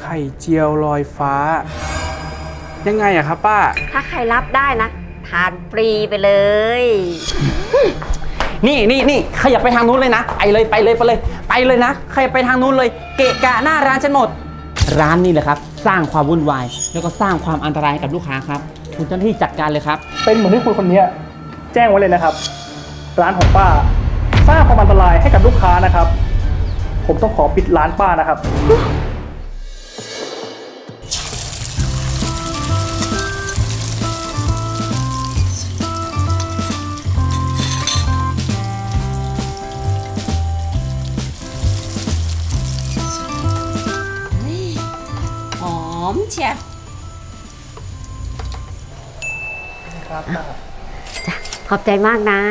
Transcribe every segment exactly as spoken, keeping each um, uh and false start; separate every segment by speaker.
Speaker 1: ข่เจียวลอยฟ้ายังไงอะครับป้า
Speaker 2: ถ้าใครรับได้นะทานฟรีไปเลย
Speaker 3: นี่นี่นี่ขยับไปทางนู้นเลยนะไปเลยไปเลยไปเลยไปเลยนะขยับไปทางนู้นเลยเกะกะหน้าร้านฉันหมดร้านนี้แหละครับสร้างความวุ่นวายแล้วก็สร้างความอันตรายกับลูกค้าครับคุณเจ้าหน้าที่จัดการเลยครับ
Speaker 4: เป็นเหมือนที่คุณคนนี้แจ้งไว้เลยนะครับร้านของป้าสร้างความอันตรายให้กับลูกค้านะครับ ผมต้องขอปิดร้านป้านะครับ
Speaker 2: หอมเชีย
Speaker 4: ครับ
Speaker 2: จ้ะขอบใจมากนะ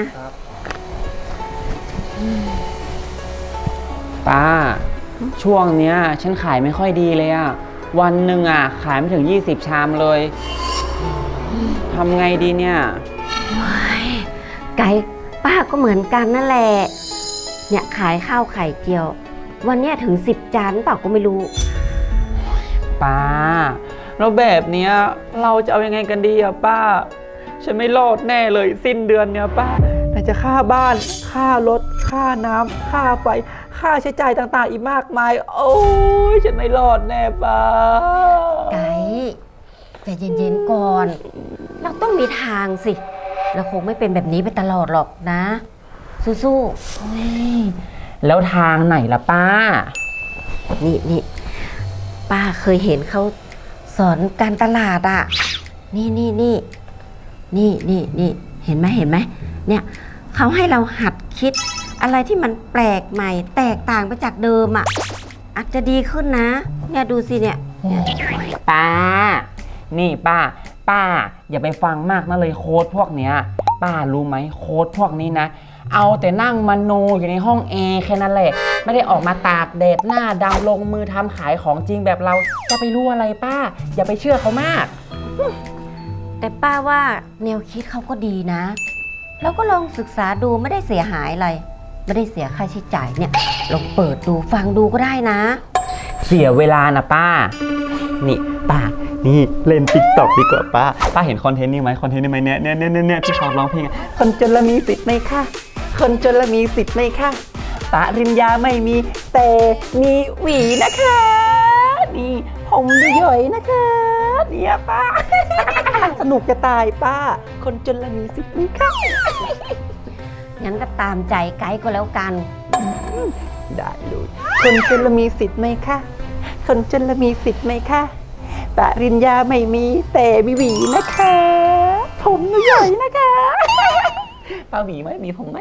Speaker 3: ป้าช่วงเนี้ยฉันขายไม่ค่อยดีเลยอะวันหนึ่งอะขายไม่ถึงยี่สิบชามเลยทำไงดีเนี่ย
Speaker 2: ไก่ป้าก็เหมือนกันนั่นแหละเนี่ยขายข้าวไข่เจียววันเนี้ยถึงสิบจานเปล่าก็ไม่รู้
Speaker 3: ป้าแล้วแบบเนี้ยเราจะเอายังไงกันดีอะป้าฉันไม่รอดแน่เลยสิ้นเดือนเนี้ยป้าไหนจะค่าบ้านค่ารถค่าน้ำค่าไฟค่าใช้จ่ายต่างๆอีกมากมายโอ้ยฉันไม่รอดแน่ป้า
Speaker 2: ไก่ใจเย็นๆก่อนเราต้องมีทางสิเราคงไม่เป็นแบบนี้ไปตลอดหรอกนะสู้
Speaker 3: ๆแล้วทางไหนล่ะป้า
Speaker 2: นี่นี่ป้าเคยเห็นเขาสอนการตลาดอ่ะนี่นี่นี่นี่นี่นี่เห็นไหมเห็นไหมเนี่ยเขาให้เราหัดคิดอะไรที่มันแปลกใหม่แตกต่างไปจากเดิมอ่ะอาจจะดีขึ้นนะเนี่ยดูสิเนี่ย
Speaker 3: ป้านี่ป้าป้าอย่าไปฟังมากนะเลยโค้ดพวกเนี้ยป้ารู้ไหมโค้ดพวกนี้นะเอาแต่นั่งมโนอยู่ในห้องแอร์แค่นั้นแหละไม่ได้ออกมาตากแดดหน้าดำลงมือทำขายของจริงแบบเราจะไปรู้อะไรป้าอย่าไปเชื่อเขามาก
Speaker 2: แต่ป้าว่าแนวคิดเขาก็ดีนะเราก็ลองศึกษาดูไม่ได้เสียหายอะไรไม่ได้เสียค่าใช้จ่ายเนี่ยลองเปิดดูฟังดูก็ได้นะ
Speaker 3: เสียเวลานะป้านี่ป้านี่เล่นติ๊กต็อกดีกว่าป้าป้าเห็นคอนเทนต์นี้ไหมคอนเทนต์นี้ไหมเนี่ยเนี่ยเนี่ยเนี่ยที่ชอบร้องเพลงคนจนละมีสิทธิ์ไหมคะคนจนละมีสิทธิ์ไหมคะปริญญาไม่มีแต่มีหวีนะคะนี่ผมย่อยนะคะเนี่ยป้าสนุกจะตายป้าคนจนละมีสิทธิ์ไหมคะ
Speaker 2: งั้นก็ตามใจไกด์ก็แล้วกัน
Speaker 3: ได้เลยคนจนละมีสิทธิ์ไหมคะคนจนละมีสิทธิ์ไหมคะปริญญาไม่มีแต่มีหวีนะคะผมใหญ่นะคะป้าหวีไหมมีผมไหม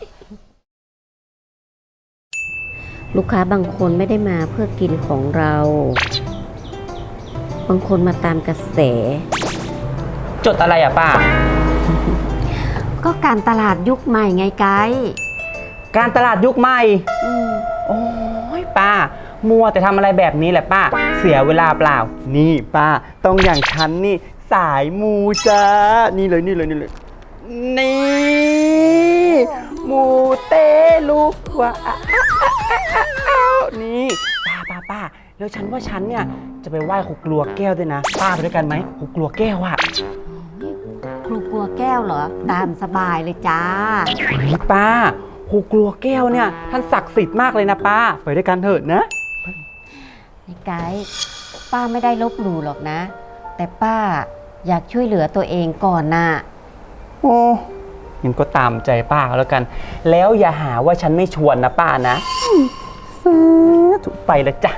Speaker 2: ลูกค้าบางคนไม่ได้มาเพื่อกินของเราบางคนมาตามกระแส
Speaker 3: จดอะไรอะป้า
Speaker 2: ก็การตลาดยุคใหม่ไงไกด์
Speaker 3: การตลาดยุคใหม่โอ้ยป้ามัวแต่ทำอะไรแบบนี้แหละป้าเสียเวลาเปล่านี่ป้าต้องอย่างฉันนี่สายมูจ้านี่เลยนี่เลยนี่เลยนี่มูเตลูว่านี่ป้าป้าป้าแล้วฉันว่าฉันเนี่ยจะไปไหว้ครูกลัวแก้วด้วยนะป้าไปด้วยกันไหมครูกลัวแก้วอะ
Speaker 2: ครูกลัวแก้วเหรอตามสบายเลยจ้า
Speaker 3: ป้าครูกลัวแก้วเนี่ยท่านศักดิ์สิทธิ์มากเลยนะป้าไปด้วยกันเถิดนะ
Speaker 2: นี่ไกด์ป้าไม่ได้ลบหลู่หรอกนะแต่ป้าอยากช่วยเหลือตัวเองก่อนน่ะ
Speaker 3: โอ้ยังก็ตามใจป้าแล้วกันแล้วอย่าหาว่าฉันไม่ชวนนะป้านะซื้อถูกไปแล้วจ้ะ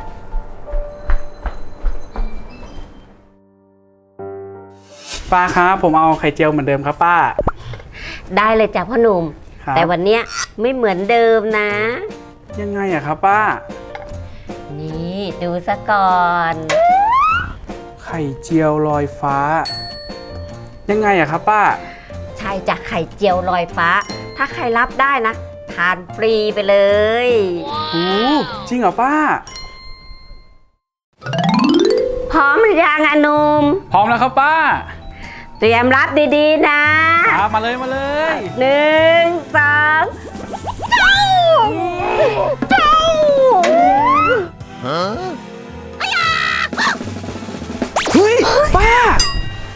Speaker 1: ป้าครับผมเอาไข่เจียวเหมือนเดิมครับป้า
Speaker 2: ได้เลยจ้ะพ่อหนุ่มแต่วันเนี้ยไม่เหมือนเดิมนะ
Speaker 1: ยังไงอะครับป้า
Speaker 2: นี่ดูซะก่อน
Speaker 1: ไข่เจียวลอยฟ้ายังไงอะครับป้า
Speaker 2: ใช่จ้ะไข่เจียวลอยฟ้าถ้าใครรับได้นะทานฟรีไปเลย
Speaker 1: โอ้จริงเหรอป้า
Speaker 2: พร้อมหรือยังอะหนุ่ม
Speaker 1: พร้อมแล้วครับป้า
Speaker 2: เตรียมรับดีๆนะ
Speaker 1: มาเลยมาเลย
Speaker 2: หนึ่งสองเจ้าเจ้าฮะ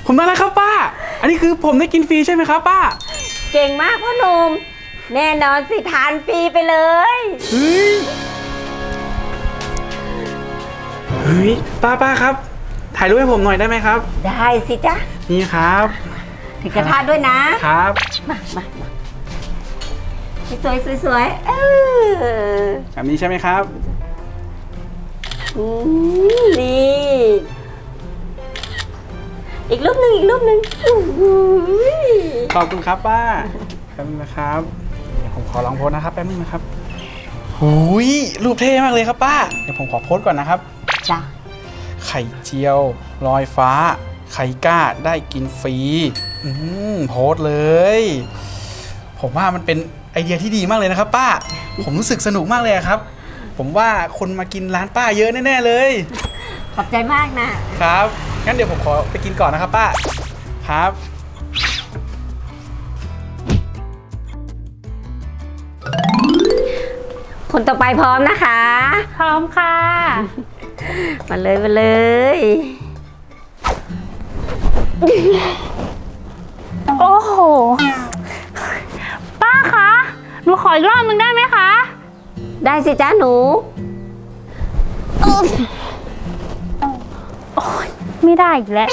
Speaker 1: ผมได้แล้วครับป้า อันนี้คือผมได้กินฟรีใช่ไหมครับป้า
Speaker 2: เก่งมากพ่อหนุ่มแน่นอนสิทานฟรีไปเลย
Speaker 1: เฮ้ย เฮ้ยป้าป้าครับ ถ่ายรูปให้ผมหน่อยได้ไหมครับ
Speaker 2: ได้สิจ๊ะ
Speaker 1: นี่ครับ
Speaker 2: ถือกระทะด้วยนะครับ มามามาสวยสวยสวยเออ
Speaker 1: แบบนี้ใช่ไหมครับ
Speaker 2: อืมนี่ อีกรูปหนึ่งอีกรูปหนึ่งอุ้ย
Speaker 1: ขอบคุณครับป้า แป๊บนึงนะครับ เดี๋ยวผมขอลองโพสนะครับแป๊บนึงนะครับหูยรูปเท่มากเลยครับป้า เดี๋ยวผมขอโพสก่อนนะครับ
Speaker 2: จ้ะ
Speaker 1: ไข่เจียวลอยฟ้า ไข่ก้าได้กินฟรี อืมโพสต์เลย ผมว่ามันเป็นไอเดียที่ดีมากเลยนะครับ ป้า ผมรู้สึกสนุกมากเลยอะครับ ผมว่าคนมากินร้านป้าเยอะแน่ๆเลย
Speaker 2: ขอบใจมากนะครับ
Speaker 1: งั้นเดี๋ยวผมขอไปกินก่อนนะครับ ป้า ครับ
Speaker 2: คนต่อไปพร้อมนะคะ
Speaker 5: พร้อมค่ะ
Speaker 2: มาเลยมาเลย
Speaker 5: โอ้โห ป้าคะ หนูขออีกรอบนึงได้ไหมคะ
Speaker 2: ได้สิจ้าหนู
Speaker 5: ไม่ได้อีกแล้ว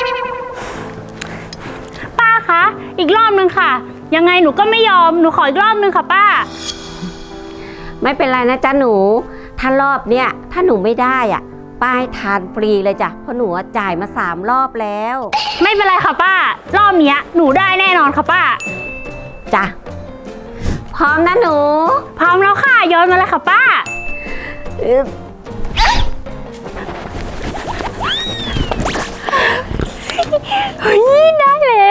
Speaker 5: ป้าคะ อีกรอบนึงค่ะ ยังไงหนูก็ไม่ยอม หนูขออีกรอบนึงค่ะป้า
Speaker 2: ไม่เป็นไรนะจ้าหนู ถ้ารอบเนี้ยถ้าหนูไม่ได้อ่ะป้าให้ทานฟรีเลยจ้ะเพราะหนูอะจ่ายมาสามรอบแล้ว
Speaker 5: ไม่เป็นไรค่ะป้า รอบเนี้ยหนูได้แน่นอนค่ะป้า
Speaker 2: จ้ะพร้อมนะหนู
Speaker 5: พร้อมแล้วค่ะโยนมาเลยค่ะป้า
Speaker 2: อึ๊บ
Speaker 5: เฮ้ยได้แล้ว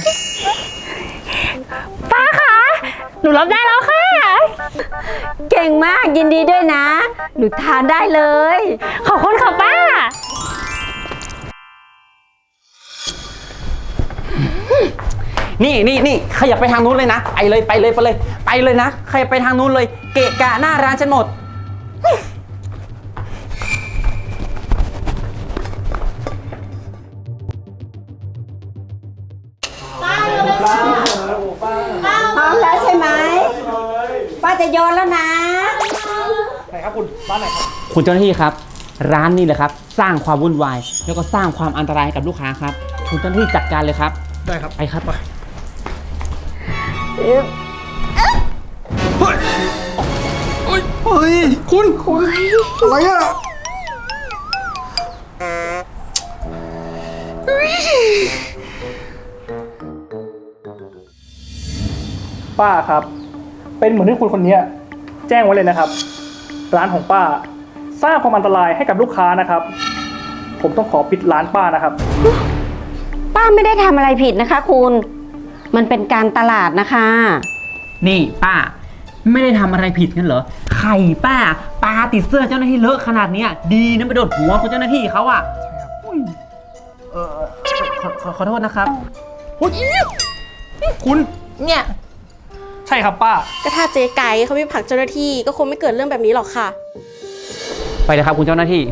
Speaker 5: ป้าคะหนูรับได้แล้วค่ะ
Speaker 2: เก่งมากยินดีด้วยนะ หนูทานได้เลย
Speaker 5: ขอบคุณค่ะป้า
Speaker 3: นี่นี่นี่ขยับไปทางนู้นเลยนะไปเลยไปเลยไปเลยไปเลยนะขยับไปทางนู้นเลย เกะกะหน้าร้านฉันหมด
Speaker 2: พร้อมแล้วใช่ไหมป้าจะโยนแล้วนะ
Speaker 4: ไหนครับคุณร้านไหนครับ
Speaker 3: คุณเจ้าหน้าที่ครับ ร้านนี้เลยครับ สร้างความวุ่นวายแล้วก็สร้างความอันตรายให้กับลูกค้าครับคุณเจ้าหน้าที่จัดการเลยครับ
Speaker 4: ได้ครับ
Speaker 3: ไปครับ
Speaker 1: เฮ้ยเฮ้ยเฮ้ยคุณคุณอะไรอะ
Speaker 4: ป้าครับ เป็นเหมือนที่คุณคนนี้แจ้งไว้เลยนะครับ ร้านของป้า สร้างความอันตรายให้กับลูกค้านะครับ ผมต้องขอปิดร้านป้านะครับ
Speaker 2: ป้าไม่ได้ทำอะไรผิดนะคะคุณ มันเป็นการตลาดนะคะ
Speaker 3: นี่ป้าไม่ได้ทำอะไรผิดกันเหรอไข่ป้าปลาติดเสื้อเจ้าหน้าที่เลอะขนาดเนี้ยดีนะไปโดนหัวคุณเจ้าหน้าที่เขาอ่ะอุ้ยเออขอขอขอโทษนะครับโอ้ยคุณเนี่ย
Speaker 4: ใช่ครับป้า
Speaker 6: ก็ถ้าเจ๊ไก่เขาไม่ผลักเจ้าหน้าที่ก็คงไม่เกิดเรื่องแบบนี้หรอกค่ะ
Speaker 3: ไปเลยครับคุณเจ้าหน้าที่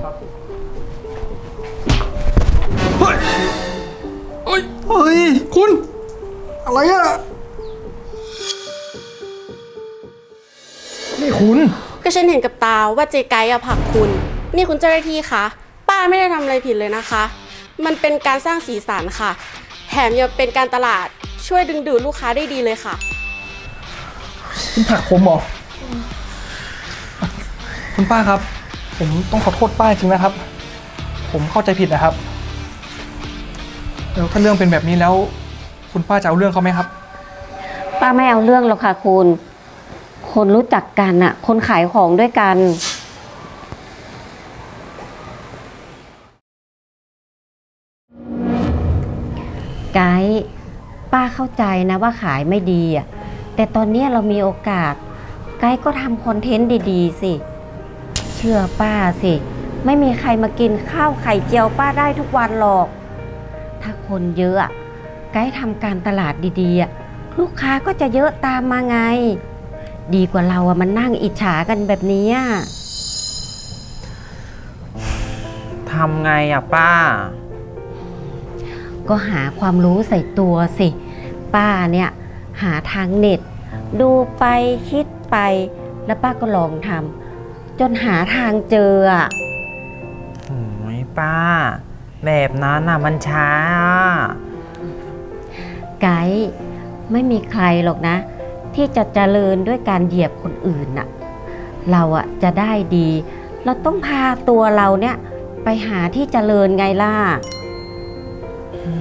Speaker 1: เฮ้ยเฮ้ยเฮ้ยคุณอะไรอะ
Speaker 4: นี่คุณ
Speaker 6: ก็ฉันเห็นกับตาว่าเจ๊ไก่อะผลักคุณ นี่คุณเจ้าหน้าที่คะป้าไม่ได้ทำอะไรผิดเลยนะคะ มันเป็นการสร้างสีสันค่ะ แถมยังเป็นการตลาดช่วยดึงดูดลูกค้าได้ดีเลยค่ะ
Speaker 4: คุณผลักผมเหรอ คุณป้าครับ ผมต้องขอโทษป้าจริงนะครับ ผมเข้าใจผิดนะครับแล้วถ้าเรื่องเป็นแบบนี้แล้ว คุณป้าจะเอาเรื่องเขาไหมครับ
Speaker 2: ป้าไม่เอาเรื่องหรอกค่ะคุณ คนรู้จักกันอะคนขายของด้วยกัน ไกด์ป้าเข้าใจนะว่าขายไม่ดีอะแต่ตอนนี้เรามีโอกาส ไกด์ก็ทำคอนเทนต์ดีๆสิ เชื่อป้าสิ ไม่มีใครมากินข้าวไข่เจียวป้าได้ทุกวันหรอก ถ้าคนเยอะอะไกด์ทำการตลาดดีๆอะลูกค้าก็จะเยอะตามมาไง ดีกว่าเราอะมันนั่งอิจฉากันแบบนี้อะ
Speaker 3: ทำไงอ่ะป้า
Speaker 2: ก็หาความรู้ใส่ตัวสิ ป้าเนี่ยหาทางเน็ต ดูไปคิดไป แล้วป้าก็ลองทำจนหาทางเจออะ
Speaker 7: โอ้ยป้า แบบนั้นน่ะมันช้าอะ
Speaker 2: ไกด์ไม่มีใครหรอกนะ ที่จะเจริญด้วยการเหยียบคนอื่นน่ะ เราอะจะได้ดี เราต้องพาตัวเราเนี่ยไปหาที่เจริญไงล่ะ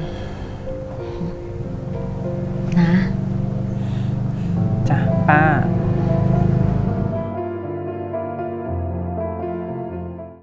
Speaker 2: นะ
Speaker 7: จ้ะป้า